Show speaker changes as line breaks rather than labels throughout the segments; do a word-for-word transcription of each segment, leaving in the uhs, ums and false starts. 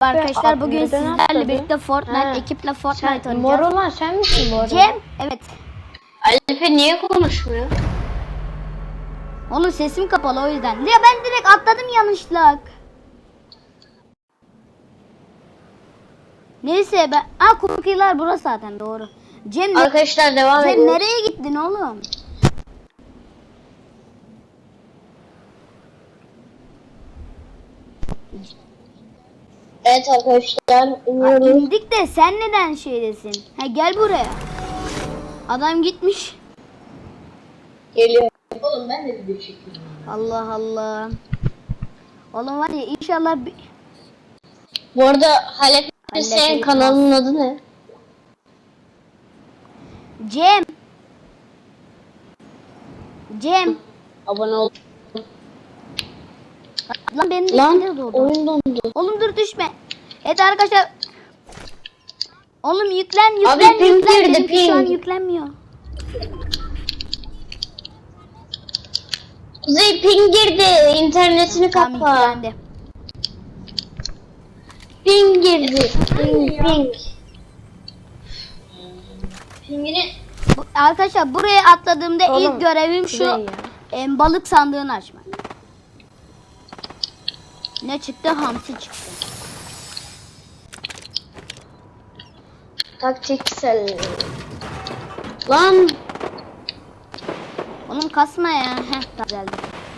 Arkadaşlar bugün
Neden
sizlerle
atladın?
birlikte Fortnite
Ha.
ekiple Fortnite
Sen,
oynayacağız.
mor olan sen misin bu arada?
Cem, evet.
Alife niye konuşmuyor?
Oğlum sesim kapalı o yüzden. Ya ben direkt atladım yanlışlıkla. Neyse ben... Aa Cookie'ler burası zaten doğru. Cem, ne...
Arkadaşlar devam
Cem
ediyoruz.
nereye gittin oğlum?
Evet arkadaşlar
Ha,
iniyoruz.
indik de sen neden şeydesin? Ha gel buraya. Adam gitmiş.
Geliyor. Oğlum ben de video çekiyorum.
Allah Allah. Oğlum var ya inşallah bir...
Bu arada Halep
Halep
senin
Elif
kanalının adı ne?
Cem. Cem.
Abone ol.
Lan benim de
Lan
içinde doğdu.
oyun dondu.
Oğlum dur düşme. Evet arkadaşlar. Oğlum yüklen yüklen
Abi ping
yüklen.
girdi,
Benimki şu an
ping.
yüklenmiyor.
Kuzey ping girdi. İnternetini
Tamam
kapa.
yüklendi.
Ping girdi. Ping ping. Pingini
Bu, arkadaşlar buraya atladığımda
Oğlum,
ilk görevim şu.
Kuzey ya.
em, balık sandığını açmak. Ne çıktı? Hamsi çıktı.
taktiksel. Lan
Oğlum kasma ya. Heh tamam, geldi.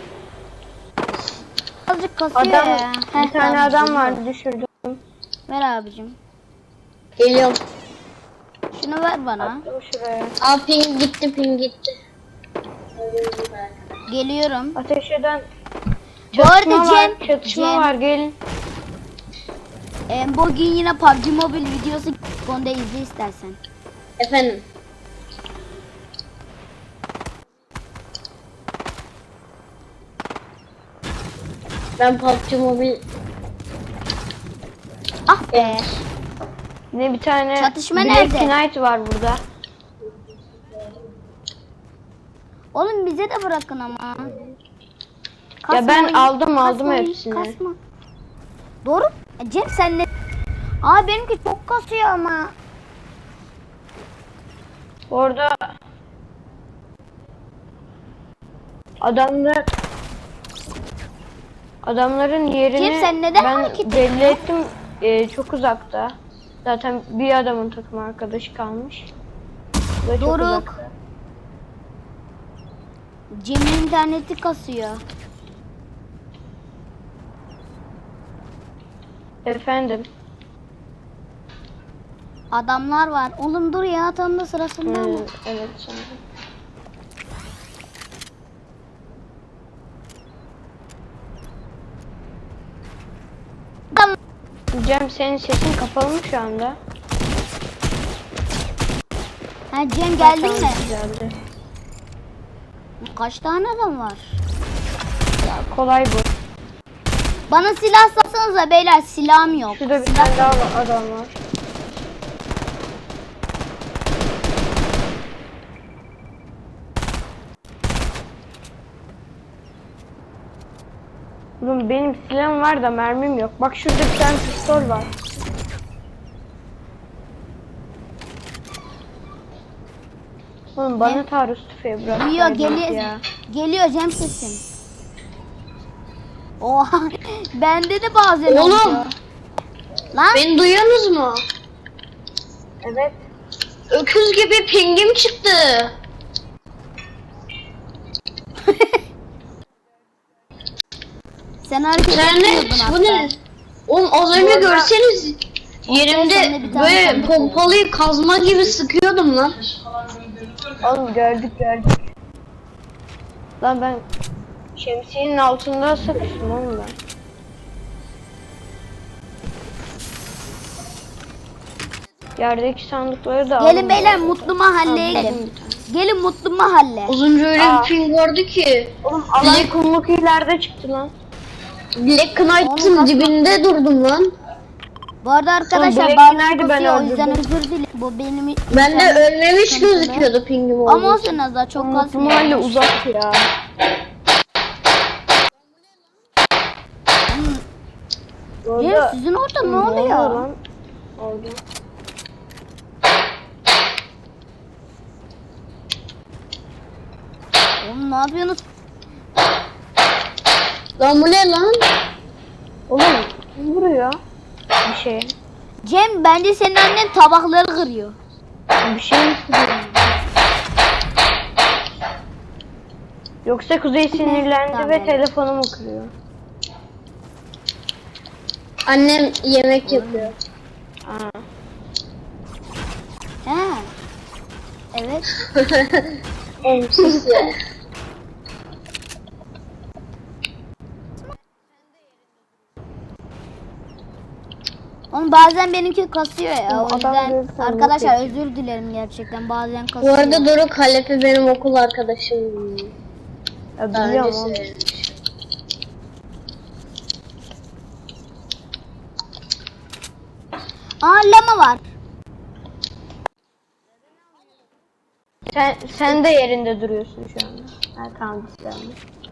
Azıcık kasıyor
Adam,
ya. Heh,
bir tane
tamam,
adam
geliyor.
vardı düşürdüm.
Ver abicim.
geliyorum.
Şunu ver bana.
Dur şuraya.
Aa ping gitti ping gitti.
Geliyorum.
Ateş eden
Bu arada
çatışma var,
Cem,
çatışma
Cem
var gelin.
em, bugün yine P U B G Mobile videosu konuda izle istersen.
Efendim. Ben P U B G Mobile
Ah be.
Ne bir tane
Çatışma
Black
nerede?
Knight var burada.
Oğlum bize de bırakın ama.
Ya ben
oyun,
aldım, aldım
kasmayın,
hepsini.
Kasma. Doğru. E, Cem sen ne? Aa benimki çok kasıyor ama.
Orada adamlar adamların yerini
Cem, sen neden
ben
hareket
belli
ettin?
ettim. Ee, çok uzakta. Zaten bir adamın takım arkadaşı kalmış. Bu da çok
Doruk.
uzakta.
Cem'in interneti kasıyor.
Efendim.
Adamlar var. Oğlum dur ya tam da sırasında
Ee,
mı?
evet sanırım.
Adam.
Cem senin sesin kapalı mı şu anda?
Ha Cem geldin
Tamam,
mi?
Güzeldi.
Kaç tane adam var?
Ya, kolay bu.
Bana silah satsanıza beyler, silahım yok.
Şurada bir
Silah-
tane daha var- adam var. Oğlum benim silahım var da mermim yok. Bak şurada bir tane pistol var. Oğlum bana taarruz tüfeği bırak.
Geliyor
verdiniz
geliyor.
ya.
Geliyor Cem sesin. Oha bende de bazen
Oğlum.
oluyor. Lan
beni duyuyorsunuz mu?
Evet.
Öküz gibi pingim çıktı.
sen hareket
İnternet
etmiyordun
bu
hatta.
ne? Oğlum az önce
arada-
görseniz
Sen de
yerimde
bir tane
böyle
sandık
pompalıyı kazma gibi sıkıyordum lan.
Oğlum gördük gördük. Lan ben şemsiyenin altında sıkıştım oğlum ben. Yerdeki sandıkları da
Gelin
alın.
beyler mutlu mahalleye
Aldım
gelin.
bir tane.
Gelin mutlu mahalle.
Az önce öyle
Aa.
bir ping vardı ki.
Oğlum alan kumluk ileride çıktı lan.
Black
Oğlum,
Knight'ın
kasma.
dibinde durdum lan.
Bu arada arkadaşlar
Black
bazı
Knight'ı ben
kasıyor o yüzden
öldürdüm.
özür dilerim. Bu benim
Ben de ölmemiş
sıkıntılı.
gözüküyordu pingim
Ama
olduğu için.
olsun az daha çok
Mutlu
kasmıyor.
mahalle uzak ya.
Hmm,
Bu
Cem
arada-
sizin orada ne
Ne
oluyor?
lan? Oldu.
Oğlum ne yapıyorsunuz?
Lan bu ne lan?
Oğlum kim vuruyor? Bir şey.
Cem bence senin annen tabakları kırıyor.
Bir şey mi kırıyor? Yoksa Kuzey sinirlendi
Tamam.
ve telefonumu kırıyor.
Annem yemek yapıyor.
Aa.
He. Evet.
Oğlum sus ya.
Oğlum bazen benimki kasıyor ya.
Oğlum,
O
adam
yüzden
görürsen
arkadaşlar
yok
özür dilerim gerçekten. Bazen
Bu
kasıyor.
arada Doruk Halefi benim okul arkadaşım.
Ya
Daha önce
biliyorum oğlum.
söylemiş.
Aa lama var.
Sen, sen de yerinde duruyorsun şu anda. Ha tamam güzel.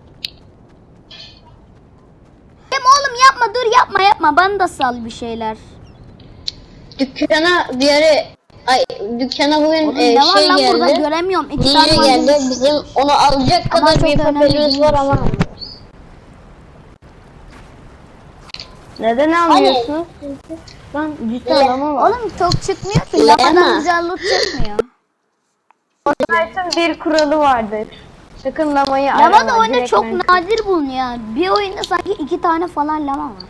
Cem oğlum yapma dur yapma yapma. Bana da sal bir şeyler.
Dükkana bir ara ay dükkana bugün
Oğlum
e,
ne var
şey
lan burada
geldi.
göremiyorum. İki
D
tane
J
malzeme-
geldi. Bizim onu alacak
Ama
kadar
çok
bir
önemli
papelimiz var
değilmiş
ama.
yani.
Neden almıyorsun? Lan cidden
Le-
adamı var.
Oğlum çok çıkmıyor ki.
Lama.
Lamadan güzel loot çıkmıyor.
Fortnite'ın bir kuralı vardır. Sakın lamayı
Lama
arama.
da oyunda
direkt
çok
men-
nadir bulunuyor. Bir oyunda sanki iki tane falan lama var.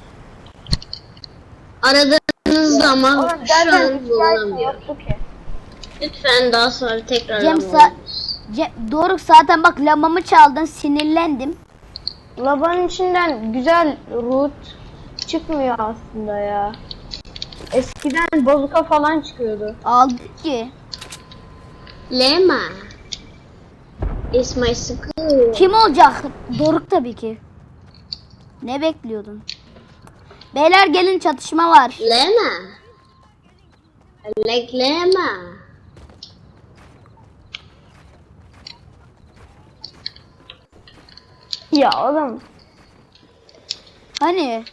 Aradığınızda ama
Oğlum
şu
zaten
an
hikayesi
bulamıyor.
yoktu ki.
Lütfen daha sonra tekrar
Cem
ama
sa- Cem, Doruk zaten bak lamamı çaldın sinirlendim.
Labanın içinden güzel root çıkmıyor aslında ya. Eskiden bazuka falan çıkıyordu.
Aldık ki.
Lema. It's my school.
Kim olacak? Doruk tabii ki. Ne bekliyordun? Beyler gelin çatışma var.
Lema. I like Lema.
Ya oğlum.
Hani?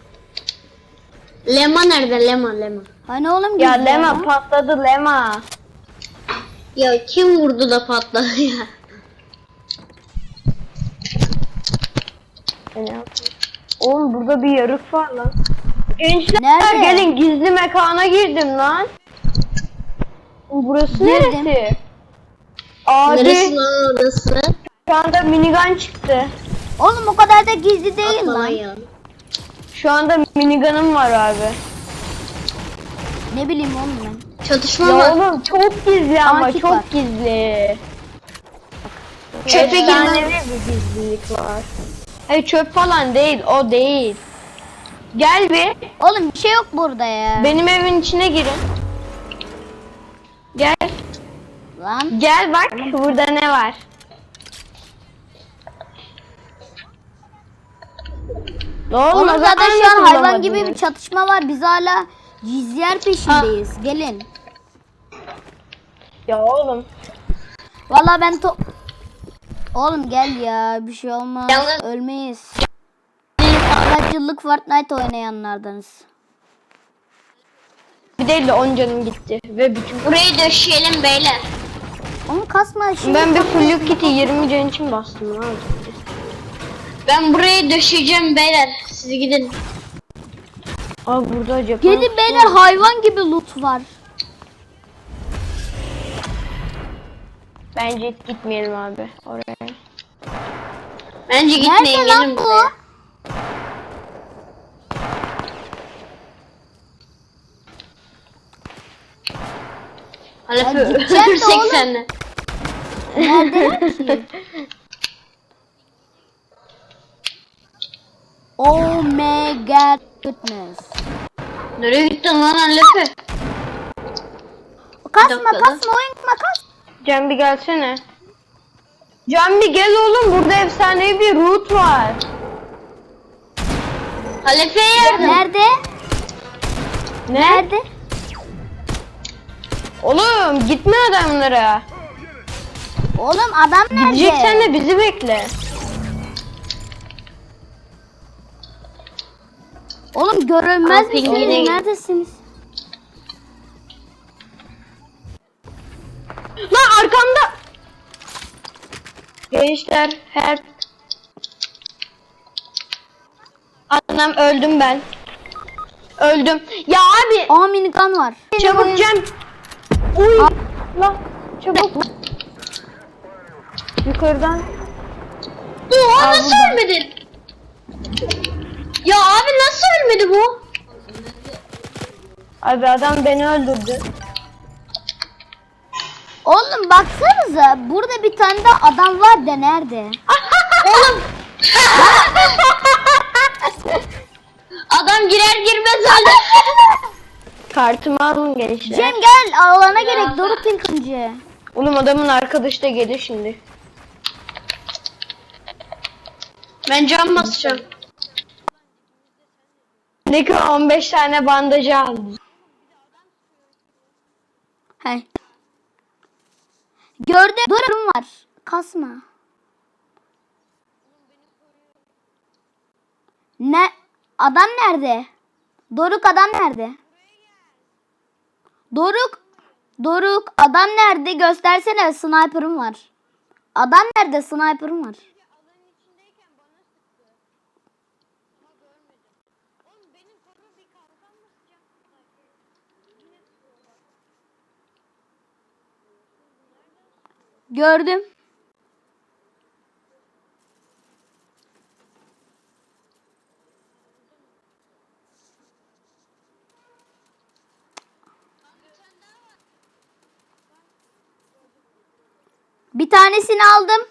Lema nerede? Lema, Lema.
Hani oğlum
Ya
gizli
Lema
ya?
patladı Lema.
Ya kim vurdu da patladı ya?
E ne yapayım? Oğlum burada bir yarık var lan. Gençler
Nerede?
gelin gizli mekana girdim lan. Burası
Girdim.
neresi? Abi
Neresi lan orası?
şu anda minigun çıktı.
Oğlum o kadar da gizli değil
Atma
lan.
ya.
Şu anda minigunum var abi.
Ne bileyim oğlum ben.
Çatışma
Ya
var.
oğlum çok gizli ama
Akif
çok
var.
gizli.
Çöpe
Efsanevi
girmem.
bir gizlilik var. Hayır çöp falan değil o değil. Gel bir
Oğlum bir şey yok burada ya.
benim evin içine girin. Gel.
Lan.
Gel bak burada ne var. Ne oldu?
Oğlum
o
zaten
zaman
şu an
nasıl
hayvan gibi bir
bulamadınız?
çatışma var. Biz hala gizliyer peşindeyiz. Gelin.
Ya oğlum.
Vallahi ben to... Oğlum gel ya bir şey olmaz.
Yalnız-
Ölmeyiz. Kaç yıllık Fortnite oynayanlardanız.
Bir değil de on canım gitti. Ve bütün...
Burayı döşeyelim beyler.
Onu kasma şimdi.
Ben bir
kasma.
full kit'i yirmi can için bastım lan.
Ben burayı döşeyeceğim beyler. Siz gidin.
Abi burada acaba.
Gelin beyler hayvan gibi loot var.
Bence hiç gitmeyelim abi oraya.
Bence gitmeyin,
Nerede lan
gelin
bu?
buraya. Halefi
Ya gideceğim de
ölürsek
oğlum.
seninle.
Neredeler ki? Oh my god goodness.
Nereye gittin lan Halefi?
Kasma
dakika lan.
kasma oyun kas.
Can bir gelsene. Can bir gel oğlum burada efsanevi bir root var.
Halefi'ye yardım.
Nerede?
Ne?
Nerede?
Oğlum gitme adamlara.
Oğlum adam nerede?
Gideceksen de bizi bekle.
Oğlum görünmez
Aa, pingine
misiniz?
gel.
Neredesiniz?
Lan arkamda. Gençler help. Anam öldüm ben. Öldüm. Ya abi
Aa minigun var.
çabuk Cem. Uy. Lan çabuk. Yukarıdan.
Oha nasıl ölmedin? Ya abi nasıl ölmedi bu?
Abi adam beni öldürdü.
Oğlum baksanıza burada bir tane de adam var da nerede?
Oğlum. Adam girer girmez öldü.
Kartımı alın gençler.
Cem gel alana gerek Doruk ilk önce.
Oğlum adamın arkadaşı da gelir şimdi.
Ben cam basacağım.
Ne ki on beş tane bandajı aldım.
He. Gördüm. Durum var. Kasma. Ne? Adam nerede? Doruk adam nerede? Doruk. Doruk adam nerede? Göstersene sniper'ım var. Adam nerede? Sniper'ım var. Gördüm. Bir tanesini aldım.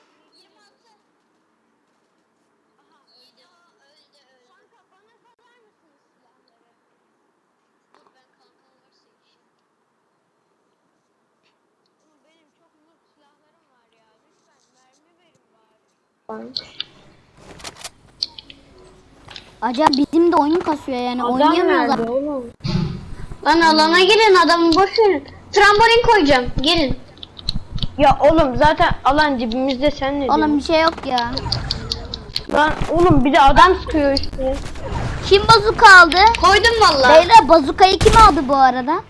Acaba bizim de oyun kasıyor yani
Adam
oynayamıyorlar.
nerede oğlum?
Lan alana girin adamı boş verin. Trambolin koyacağım. Gelin.
Ya oğlum zaten alan dibimizde, sen ne diyorsun?
Oğlum bir şey yok ya.
Lan oğlum bir de adam sıkıyor işte.
Kim bazuka aldı?
Koydum vallahi.
Beyler bazukayı kim aldı bu arada?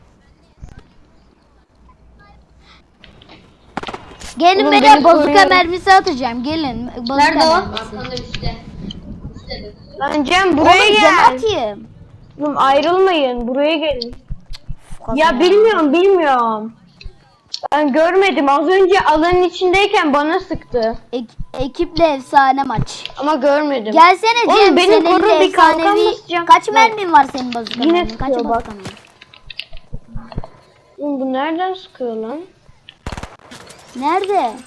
Gelin
Oğlum
beyler
beni
bazuka
koruyor.
mermisi atacağım. Gelin. Bazuka
Nerede o?
mermisi.
Lan Cem buraya
Oğlum
gel.
cam atayım.
Oğlum ayrılmayın, buraya gelin.
Kafa
Ya bilmiyorum bilmiyorum. Ben görmedim, az önce alanın içindeyken bana sıktı.
Ek- ekiple efsane maç.
Ama görmedim.
Gelsene Cem.
Oğlum benim
senin
koru
de
bir kalkan
efsanevi-
basacağım.
Kaç
Bak.
mermin var senin bazuka
Yine
mermin? Kaç
sıkıyor bak.
bazuka mermin?
Oğlum bu nereden sıkıyor lan?
Nerede?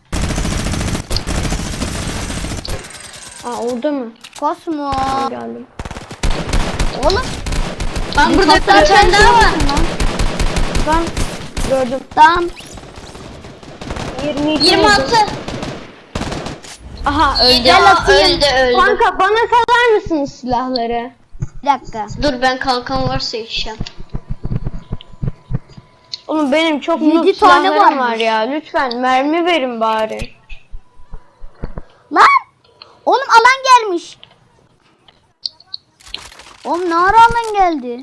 Aa orada mı?
Kosmo.
Geldim.
Oğlum.
Lan burada bir
helikopter
tane daha var.
çalışıyor lan.
Ben gördüm.
Tamam.
yirmi iki
yirmi
oldu.
altı.
Aha öldü.
Gel atayım.
öldü öldü.
Kanka bana salar mısınız silahları?
Bir dakika.
Dur ben kalkan varsa içeceğim.
Oğlum benim çok
Yedi
noob
tane
silahlarım
varmış.
var ya. Lütfen mermi verin bari.
Lan. Oğlum alan gelmiş. Oğlum ne ara alan geldi?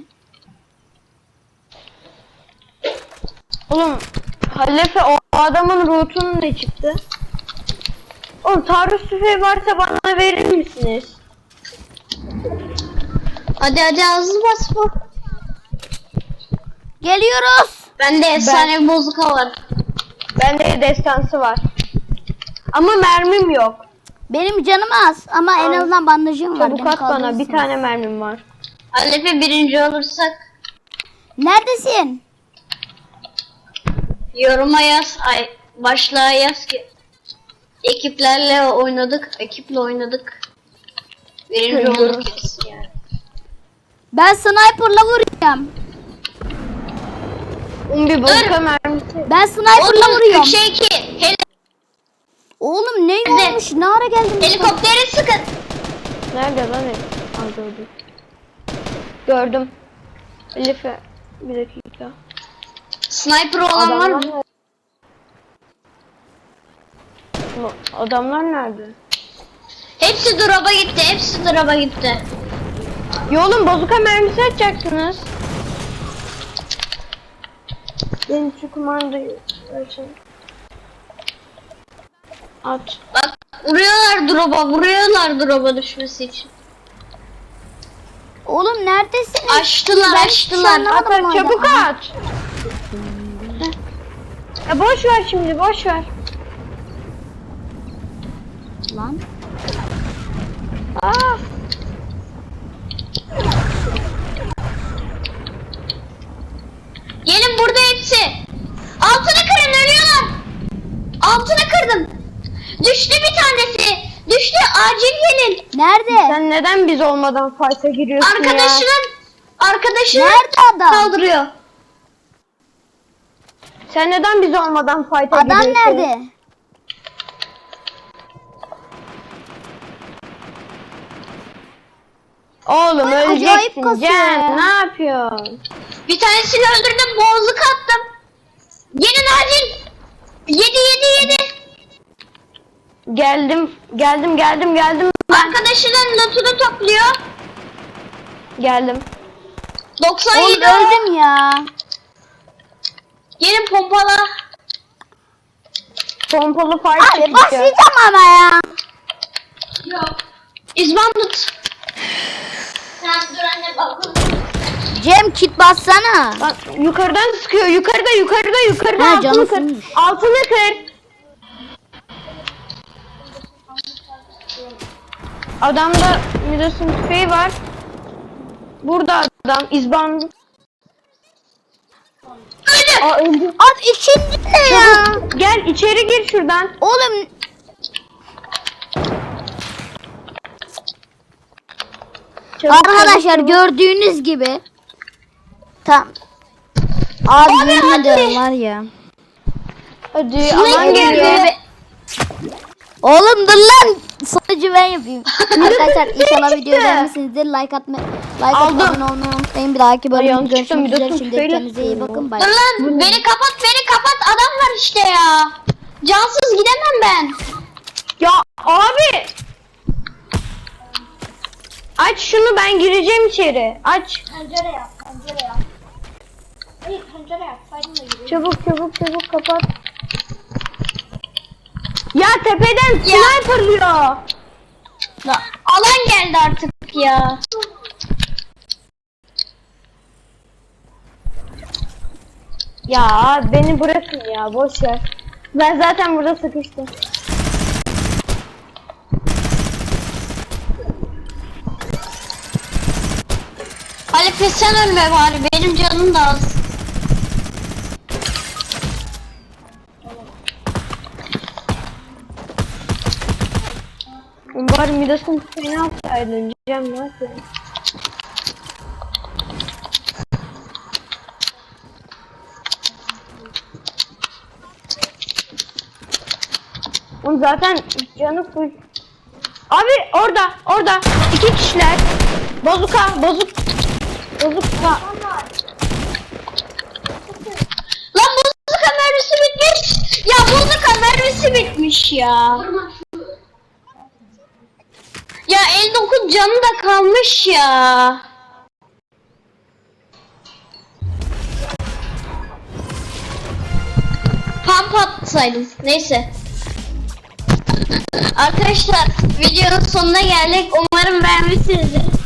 Oğlum Halefe o adamın rootunu ne çıktı? Oğlum taarruz tüfeği varsa bana verir misiniz?
Hadi hadi hızlı bas bu.
Geliyoruz.
Bende efsane bir bozuka var.
Bende destansı var. Ama mermim yok.
Benim canım az ama en
Al.
azından bandajım var.
Çabuk
Beni
at bana, bir
kaldırırsın.
tane mermim var.
Alefe birinci olursak
Neredesin?
yoruma yaz. Ay başlığa yaz ki. Ekiplerle oynadık. Ekiple oynadık. Birinci
Görüyorum.
olduk kesin yani.
Ben sniper'la vuracağım.
Um bir boka mermisi.
Ben sniper'la
Oğlum
vuruyorum.
üç iki. Heli
Oğlum ne
Nerede?
olmuş? Ne ara geldin?
helikopteri sıkın.
Nerede lan hep? Aa gördüm. Gördüm. Halefe bir dakika.
Sniper olan var mı?
nerede? Bu Adamlar nerede?
Hepsi drop'a gitti. Hepsi drop'a gitti.
Ya oğlum bazuka mermisi atacaktınız. Benim şu kumandayı açın. At.
Bak vuruyorlar drop'a, vuruyorlar drop'a düşmesi için.
Oğlum neredesin?
Açtılar,
Ben
açtılar.
hiç anlamadım
At at
hala.
çabuk at. Ya boş ver şimdi boş ver.
Lan.
Aa.
Gelin burada hepsi. Altını kırın, ölüyorlar. Altını kırdım. Düştü bir tanesi. Düştü, acil gelin.
Nerede?
Sen neden biz olmadan fight'a giriyorsun ya?
Arkadaşının arkadaşını
Nerede adam?
kaldırıyor.
Sen neden biz olmadan fight'a
Adam
giriyorsun?
nerede?
Oğlum
Ay, acayip
öleceksin
kasıyor
Cem.
ya.
Ne yapıyorsun?
Bir tanesini öldürdüm, boğazlık attım. Gelin acil. Yedi yedi yedi.
Geldim geldim geldim geldim.
Arkadaşının lootunu topluyor.
Geldim.
doksan
Oğlum
yedi.
öldüm ya.
Gelin pompala.
Pompalı fight
Abi
çekeceğiz.
başlayacağım ama ya.
Yok. İzban tut. Sen dur anne bak.
Cem kit bassana.
Bak yukarıdan sıkıyor. Yukarıda yukarıda yukarıda
Ha,
altını
canı
kır.
sınmış.
Altını kır. Adamda Midas'ın tüfeği var. Burada adam izban.
Öldü.
Aa öldü.
Abi ikinci ne ya?
Gel içeri gir şuradan.
Oğlum
Çabuk,
arkadaşlar
çabuk.
gördüğünüz gibi. Tam. Abi yemin ediyorum var ya.
Hadi
Sinek
aman
geldi.
geliyor.
Oğlum dur lan. Sonucu ben yapayım. Arkadaşlar inşallah videoyu beğenmişsinizdir. Like atma, like
Aldım.
atıp abone olmayı unutmayın. Bir dahaki bölümde
yanlışlıkla
görüşmek üzere.
Midas'ın
Şimdi
tüfeğiyle
kendinize iyi
sıkıyorum.
bakın. Bay
Dur
bay.
lan beni kapat beni kapat, adam var işte ya. Cansız gidemem ben.
Ya abi. Aç şunu, ben gireceğim içeri. Aç.
Pencere yap pencere yap. Hayır pencere yap saydın da gireyim.
Çabuk çabuk çabuk kapat. Ya tepeden sniperlıyor.
Alan geldi artık ya.
Ya beni bırakın ya, boş ver. Ben zaten burada sıkıştım.
Halife sen ölme bari, benim canım da az.
Umarım Midas'ın seni alsaydın. Cem ne yapıyorsun? Oğlum zaten canı full. Abi orada orada iki kişiler. Bozuka bozuk. Bozuka.
Lan buzluka mermisi bitmiş. Ya buzluka mermisi bitmiş ya. Ya elli dokuz canı da kalmış ya. Pump atsaydım. Neyse. Arkadaşlar videonun sonuna geldik. Umarım beğenmişsinizdir.